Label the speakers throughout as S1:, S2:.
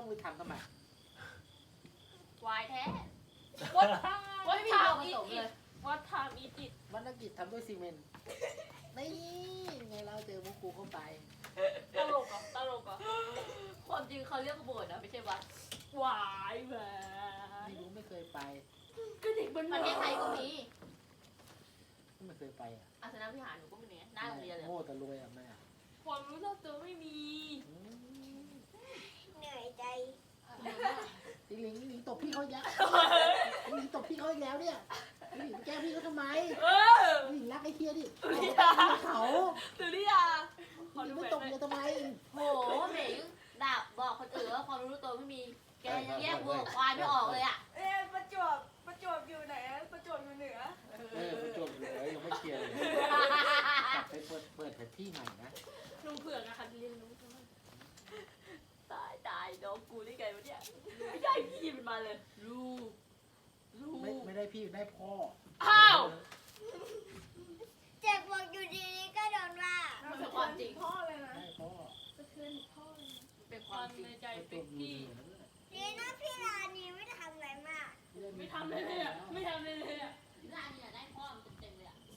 S1: ต้องไปทำทำไม
S2: วายแท้
S3: What
S2: ไม่มีเราผ
S3: time
S2: สม
S3: is
S2: เลย
S3: it What time is it
S1: วรรณกิจทำด้วยซีเมนต์นี่ไงเราเจอมุกกูเข้าไป
S3: ตลกอ่ะตลกอ่ะ
S2: ความจริงเขาเรียกว่าโบสถ์นะไม่ใช่วัด
S3: หวายแหว
S1: ไม่รู้ไม่เคยไป
S3: ก็เด็กมัน
S2: ประเทศไทยก็มี
S1: ไม่เคยไปอ่ะ
S2: อาสนะวิหารหนูก็มีหน้าโรงเรียนเลย
S1: โง่แต่รวยอ่ะแม่
S3: ความรู้รอบตัวไม่มี
S1: อืม
S4: เหนื่อยใจ
S1: ลิงลิงตบพี่เขาอีกแล้วลิงตบพี่เขาอีกแล้วเนี่ยลิงแกล้งพี่เขาทำไม
S3: เออ
S1: ลิงรักไอ้เคียดิ
S3: ลิง
S1: เขา
S3: ตื่นหรือยังขอ
S1: ลิ
S3: ดู
S1: ง
S3: แห
S1: ไม่
S3: วน
S1: ตบ
S3: หน่อย
S1: เลยทำไม
S2: โหเหม่งด่าบอกคนอื่นว่าความรู้ตัวไม่มี แกยังแยกวัวกับควายไม่ออกเลยอ่ะ
S5: ประจวบอยู่ไหนอะประจวบอยู่เหนือ
S1: ประจวบเหลือยังไม่เคลียร์เลยกลับไปเปิดแผนที่ใหม่นะ
S3: ลุงเผือกนะคะเรียนรู้ทั้งนั้นตายน้องกูได้ไงวะเนี่ยไม่ได้พี่มันมาเลยลูก
S1: ไม่ได้พี่ได้พ่อ
S3: อ้าว
S4: เจ็บบอกอยู่ดีๆก็โดนว่า
S2: มันเป็นความจริง
S5: พ่อเลยนะ
S1: ได้พ่อ
S5: สะเทือนพ่อเลยนะ
S2: เป็นคาว
S3: ความ ม
S2: จริง
S3: ในใจ
S1: ประจ
S3: เป็
S1: วน บอยู่
S3: พี่
S1: เหนือนั่นแหละ
S4: ดีนะพี่ลานีไม่ทำอะไรมาก
S3: ไม่ทำเลยอ่ะไม่ทำเลยอ่ะ
S2: หน้านี่ได้พ่อมันเต็มเลยอ่ะ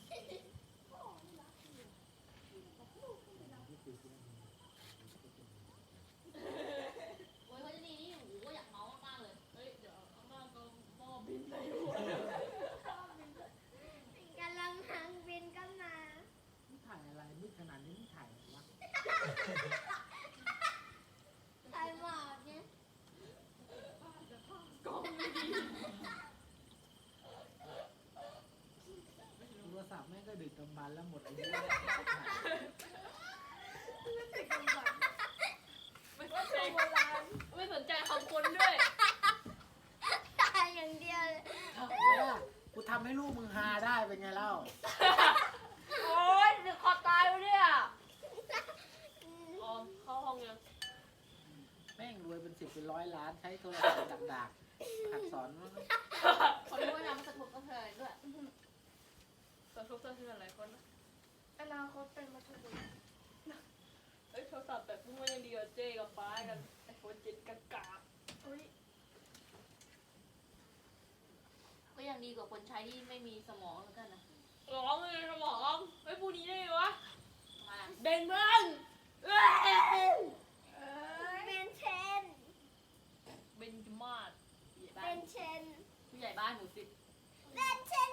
S2: โอ้ยเขาจะดีนี่โอ้โหอยากเมาส์มากๆเลย
S3: เฮ้ยเดี๋ยวเอาหน้าก็หม้อบินเลยหัว
S4: กำลังหางบินก็มา
S1: ถ่ายอะไรมืดขนาดนี้ไม่ถ่ายอะไรวะ
S4: ใส่หมอกเนี่ย
S3: กล้องไม่ดี
S1: โทรศัพท์แม่งก็ดึกดำบรรพ์แล้วหมดอายุ
S3: ไม่สนใจไม่สนใจคำคนด้วย
S4: ตายอย่างเดียวเลย
S1: ว่ากูทำให้ลูกมึงฮาได้เป็นไงเล่า
S3: โอ๊ยจะคอตายวะเนี่ยออมเข้าห้องยัง
S1: แม่งรวยเป็น10เป็น100 ล้านใช้โทรศัพท์ดักๆหัดสอนมั้ง
S2: เขารู้ว่าน้ำมันสะทกกระเทือนด้วย
S3: สะทกสะเทือนหลายคนนะ
S5: อนาคตเป็นมัธยม
S3: เอ้ยโทรศัพท์แบบพวกมันยังดีกว่าเจ๊กับฟ้ากันไอโฟน7กาก
S5: อุ้ย
S2: ก็ยังดีกว่าคนใช้ที่ไม่มีสมองแล้วกันนะ
S3: ร้องเลยสมองไอ้ยพูดนี้ได้ไงวะ
S2: มา
S3: เด่นมึงเอ้ย
S4: เป็นเชน
S3: เบนจมาศ
S2: ผู้ใหญ่บ้า
S4: เป็น นเชน
S2: ผู้ใหญ่บ้านหมู่สิบ
S4: เป็นเชน